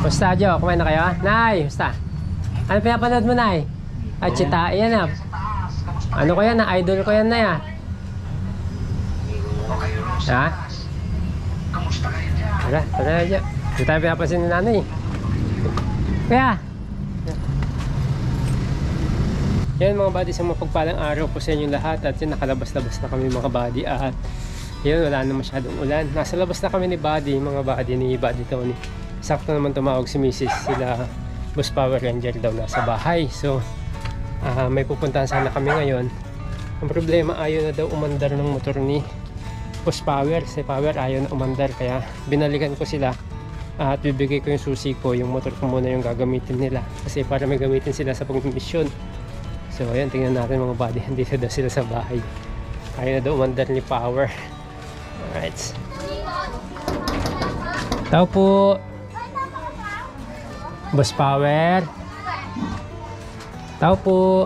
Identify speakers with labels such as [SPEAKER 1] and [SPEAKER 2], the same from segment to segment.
[SPEAKER 1] Basta, Jo, kumain na kayo? Nay, basta. Ano pinapanood mo, Nay? Ay, Chita, yan ah. Ano ko yan ah? Idol ko yan, Nay ah. Ha? Tara na, Jo. Hindi tayo pinapansin ni Nanay. Kaya, yan mga buddy, sa mapagpalang araw po sa inyo lahat. At yun, nakalabas-labas na kami mga buddy. At yun, wala na masyadong ulan. Nasa labas na kami ni buddy, mga buddy ni Buddy Tony. Sakto naman tumawag si Mrs. Sila Boss Power Ranger daw nasa bahay. So may pupuntahan sana kami ngayon. Ang problema, ayaw na daw umandar ng motor ni Boss Power. Si Power ayaw na umandar, kaya binalikan ko sila at bibigay ko yung susi ko. Yung motor ko muna yung gagamitin nila, kasi para may gamitin sila sa pagmisyon. So ayan, tingnan natin mga buddy. Andito daw sila sa bahay. Ayaw na daw umandar ni Power. Alright, tao po Boss Power. Tao po.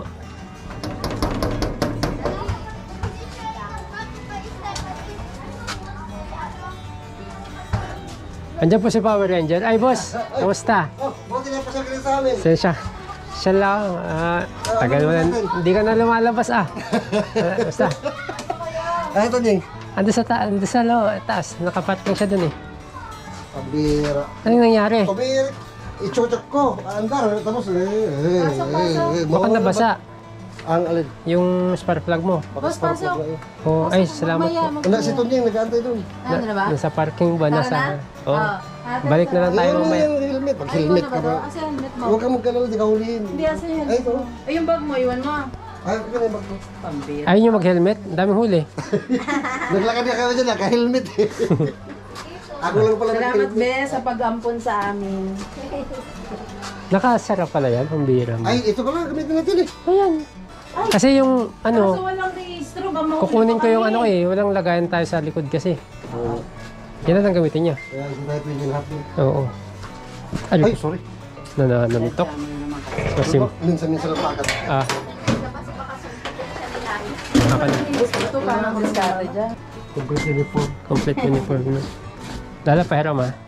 [SPEAKER 1] Andiyan po si Power Ranger. Ay, boss, kamusta?
[SPEAKER 2] Oh, buti na pasagin sa amin.
[SPEAKER 1] Siya lang. Tagal mo na. Hindi ka na lumalabas ah. Basta.
[SPEAKER 2] Ay, ito Ning.
[SPEAKER 1] Ando sa taas. Nakaparking siya dun eh.
[SPEAKER 2] Pabira.
[SPEAKER 1] Anong nangyari?
[SPEAKER 2] Pabira. Ichuchok ko. Andar. Tapos
[SPEAKER 1] Mukhang nabasa.
[SPEAKER 2] Ang alin?
[SPEAKER 1] Yung spark plug mo.
[SPEAKER 3] Boss, pasok.
[SPEAKER 1] Oh, ay, salamat po.
[SPEAKER 2] Wala si Tonyeng nag-aantay doon.
[SPEAKER 3] Ano na ba?
[SPEAKER 1] Nasa parking ba?
[SPEAKER 3] Tara
[SPEAKER 1] Nasa...
[SPEAKER 3] na?
[SPEAKER 1] Oh. Balik na lang tayo
[SPEAKER 2] Ayun
[SPEAKER 1] mamaya.
[SPEAKER 2] yung helmet. Pag
[SPEAKER 3] Ay,
[SPEAKER 2] helmet
[SPEAKER 3] ano
[SPEAKER 2] ka
[SPEAKER 3] ba
[SPEAKER 2] ba?
[SPEAKER 3] to? Asa yung helmet mo?
[SPEAKER 2] Huwag kang magkalala, di ka huliin.
[SPEAKER 3] Hindi, asa yung
[SPEAKER 2] Ay,
[SPEAKER 3] helmet
[SPEAKER 2] ito.
[SPEAKER 3] mo? Ay, yung bag mo, iwan mo.
[SPEAKER 2] Ay, ito na yung bag mo.
[SPEAKER 3] Pambira.
[SPEAKER 1] Ayun yung mag-helmet. Ang daming huli.
[SPEAKER 2] Naglakad ka kaya dyan, naka-helmet eh. Ako lang pala
[SPEAKER 3] Salamat,
[SPEAKER 2] nag-helmet.
[SPEAKER 3] be, sa pag-ampon sa amin.
[SPEAKER 1] Nakasara pala yan. Ang bira mo.
[SPEAKER 2] Ay, ito ka lang, gamitin natin eh.
[SPEAKER 1] Ayan. Kasi yung
[SPEAKER 3] Kaso
[SPEAKER 1] ano,
[SPEAKER 3] walang registro, gamaw.
[SPEAKER 1] kukunin ko yung ano eh. Walang lagayan tayo sa likod kasi. Yan ang gamitin niya.
[SPEAKER 2] Kaya hindi tayo pwede lahat mo.
[SPEAKER 1] Oo.
[SPEAKER 2] Ay,
[SPEAKER 1] Ay,
[SPEAKER 2] sorry.
[SPEAKER 1] nananamitok. Kasi,
[SPEAKER 2] Minsan-minsan lang pakat.
[SPEAKER 1] akan.
[SPEAKER 3] Ito pa ng diskarte dyan.
[SPEAKER 2] Complete uniform.
[SPEAKER 1] Complete uniform na. Lala, pahiram ha.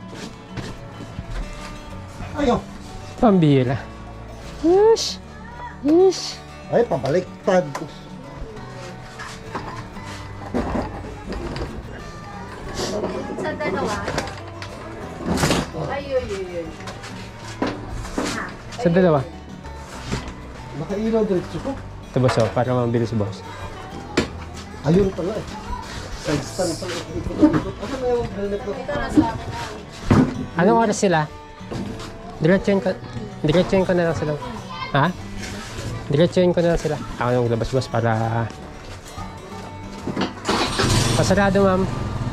[SPEAKER 2] Ayaw.
[SPEAKER 1] Pambira. Yes. Yes.
[SPEAKER 2] Ay, pabaliktad.
[SPEAKER 4] Sa dalawa.
[SPEAKER 3] Ay, yun.
[SPEAKER 1] Sa dalawa.
[SPEAKER 2] Nakailaw diretso ko.
[SPEAKER 1] Ito boss, oh, para mabilis boss.
[SPEAKER 2] Ayun pala eh. Side stand pala. Ano na yung helmet ko?
[SPEAKER 3] Ito na sa akin.
[SPEAKER 1] Anong oras sila? Diretsuin ko na lang sila. Ha? Diretsuin ko na lang sila. Ako nang labas boss para... Pasarado ma'am.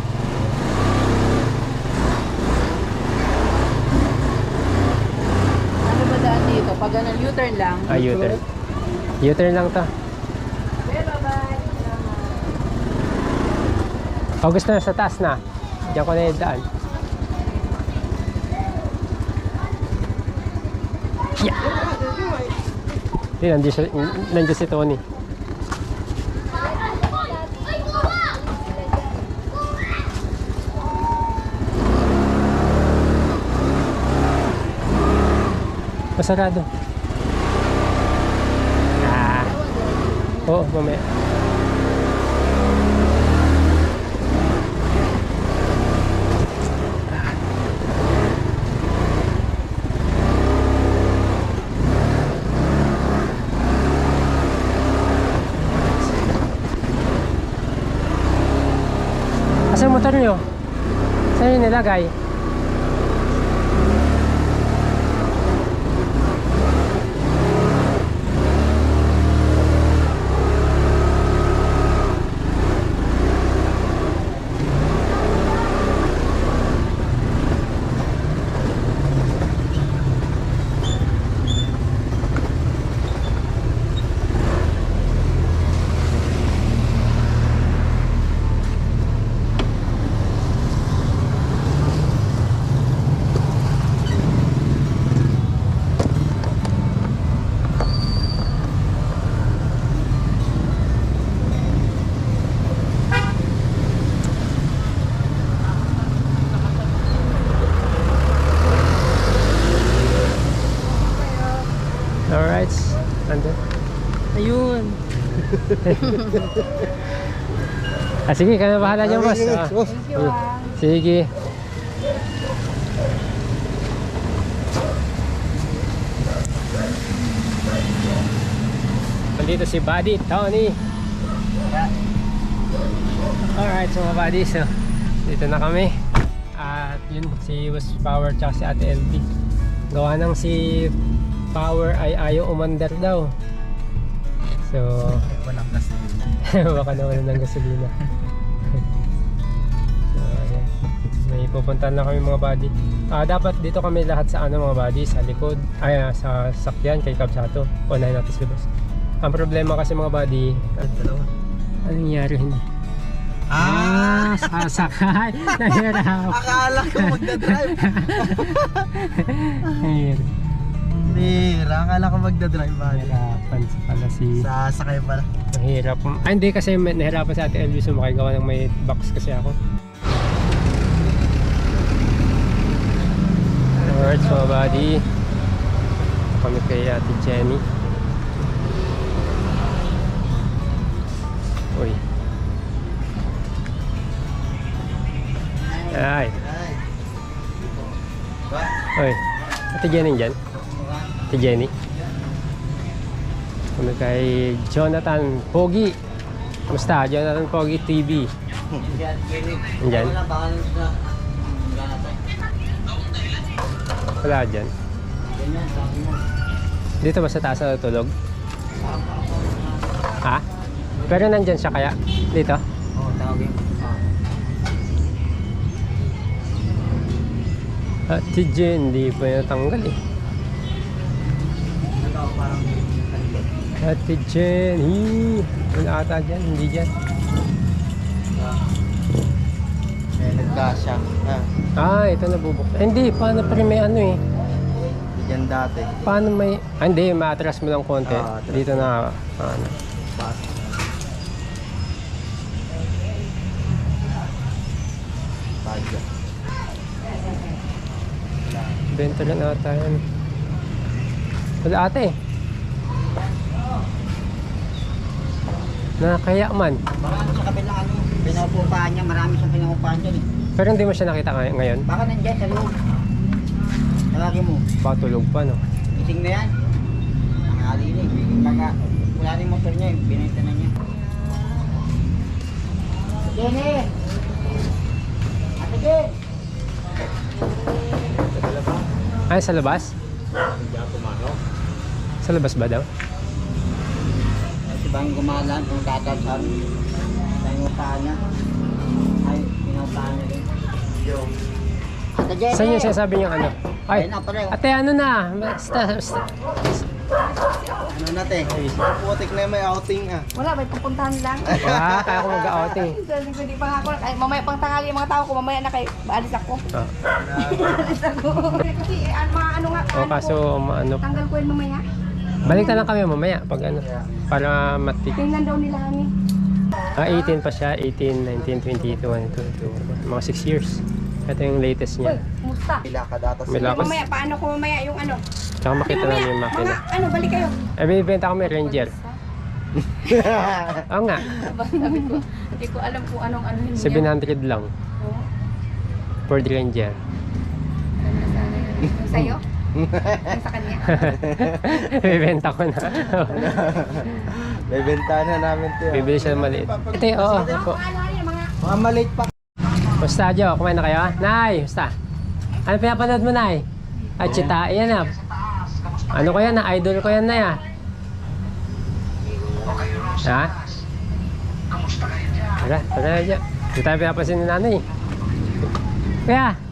[SPEAKER 3] Ano ba daan dito? Pag ganun, U-turn lang.
[SPEAKER 1] U-turn. U-turn lang to.
[SPEAKER 3] Be, bye-bye.
[SPEAKER 1] August na, sa taas na. Diyan ko na yung daan. Yeah! Hindi, nandiyan si Tony. Masarado. Oo, mamaya. Asan motor nyo? Saan yung nilagay? nandun.
[SPEAKER 3] Ayun.
[SPEAKER 1] Sige, ka na bahala dyan, boss.
[SPEAKER 2] Next, boss.
[SPEAKER 3] Thank you ah.
[SPEAKER 1] Sige. Nandito si Buddy, Tony. Alright, so mga buddy, so dito na kami. At yun, si Boss Power tsaka si Ate LB. Gawa ng si Power ay ayaw umandar daw. So,
[SPEAKER 2] Walang gasolina.
[SPEAKER 1] baka nawalan ng gasolina. So, ayan. May pupuntahan na kami mga buddy. Dapat dito kami lahat sa ano mga buddy, sa likod, sa sakyan kay Kabsato. Unahin natin si Boss. Ang problema kasi mga buddy, anong nangyari hindi? Sasakay! Nahirap!
[SPEAKER 2] Akala ko magdadrive.
[SPEAKER 1] Ayun.
[SPEAKER 2] Bira, akala ko magdadrive ba?
[SPEAKER 1] Nahirapan pala si...
[SPEAKER 2] Sasakay pala.
[SPEAKER 1] Nahirap. Hindi kasi nahirapan sa Ate Elvis sumakay gawa ng may box kasi ako. Alright, so buddy. Kami kay Ate Jenny. Uy. Ay. Uy. Ate Jenny dyan? Ate Jenny. Kami kay Jonathan Pogi. Kumusta? Jonathan Pogi TV. Andyan? Wala dyan. Dito ba sa taas na natulog? Ha? Pero nandyan siya kaya? Dito?
[SPEAKER 2] Oo, tawagin.
[SPEAKER 1] Ate Jen, hindi pa natanggal eh. Ate Jen, wala ata dyan, hindi dyan.
[SPEAKER 2] Nagkasya.
[SPEAKER 1] Ito nabubuksan. Hindi, paano pa rin may ano eh.
[SPEAKER 2] Diyan dati.
[SPEAKER 1] Paano may... hindi, ma-atras mo lang konti.
[SPEAKER 2] atras.
[SPEAKER 1] Dito na, ano.
[SPEAKER 2] Pas. Padya.
[SPEAKER 1] Benta rin ata yan. Wala ate. Nakakaya man.
[SPEAKER 5] Baka sa kabilang ano, pinupupahan niya, marami siyang pinupupahan dyan eh.
[SPEAKER 1] Pero hindi mo siya nakita ngayon.
[SPEAKER 5] Baka nandiyan sa loob. Tawagin mo,
[SPEAKER 1] Baka tulog pa, no?
[SPEAKER 5] ising na yan. Ang ali na eh. Baka wala na yung motor niya eh, binenta na niya. Jenny! Ate Jen!
[SPEAKER 1] Ay, sa labas? Sa labas ba daw?
[SPEAKER 5] Si Bang gumalan, kung tatalsan, sa pinupupahan niya. Ay, pinupupahan niya rin. Ate Jenny!
[SPEAKER 1] Saan yung sinasabi niyang ano? Ay,
[SPEAKER 5] Ayun na pala.
[SPEAKER 1] ate ano na? Basta.
[SPEAKER 2] Ano natin? Putik na may outing ah.
[SPEAKER 3] Wala, may pupuntahan lang.
[SPEAKER 1] Wala, kaya ako mag-outing.
[SPEAKER 3] Hindi pa nga ako. Ay, mamaya pang tanghali yung mga tao ko. Mamaya na kayo. Baalis ako. Baalis ako. Kasi mga ano nga.
[SPEAKER 1] O kaso, ano,
[SPEAKER 3] Tanggal ko yun mamaya.
[SPEAKER 1] balik na lang kami mamaya pag ano, para matik.
[SPEAKER 3] Tingnan daw nila kami.
[SPEAKER 1] 18 pa siya, 18, 19, 20, 21, 22, mga 6 years. Ito yung latest
[SPEAKER 3] Uy,
[SPEAKER 1] niya.
[SPEAKER 3] musta?
[SPEAKER 2] Pila ka data
[SPEAKER 1] May lakas.
[SPEAKER 3] Mamaya, paano ko mamaya yung ano?
[SPEAKER 1] Tsaka makita namin yung
[SPEAKER 3] Mga
[SPEAKER 1] makina.
[SPEAKER 3] ano, balik kayo.
[SPEAKER 1] Eh, binibenta kami Ranger. Oo nga,
[SPEAKER 3] Sabi ko, hindi ko alam kung anong ano niya.
[SPEAKER 1] 700 lang.
[SPEAKER 3] Oo.
[SPEAKER 1] Ford Ranger.
[SPEAKER 3] Ganda sana yun. Yung sa'yo? Yung sa kanya?
[SPEAKER 1] Bibenta ko na.
[SPEAKER 2] May bentana namin ito.
[SPEAKER 1] Bibili siya ng maliit. Ito yung, oo. Po.
[SPEAKER 3] Ano yun, mga...
[SPEAKER 2] Mga maliit pa.
[SPEAKER 1] Basta, Jo, kumain na kayo? Nay, basta. Ano pinapanood mo, Nay? Ay, Chita, yan na. Ano ko yan, na idol ko yan na ya. Ha? Tara, tara na, Jo. Hindi tayo pinapansin ni nanay. Kaya,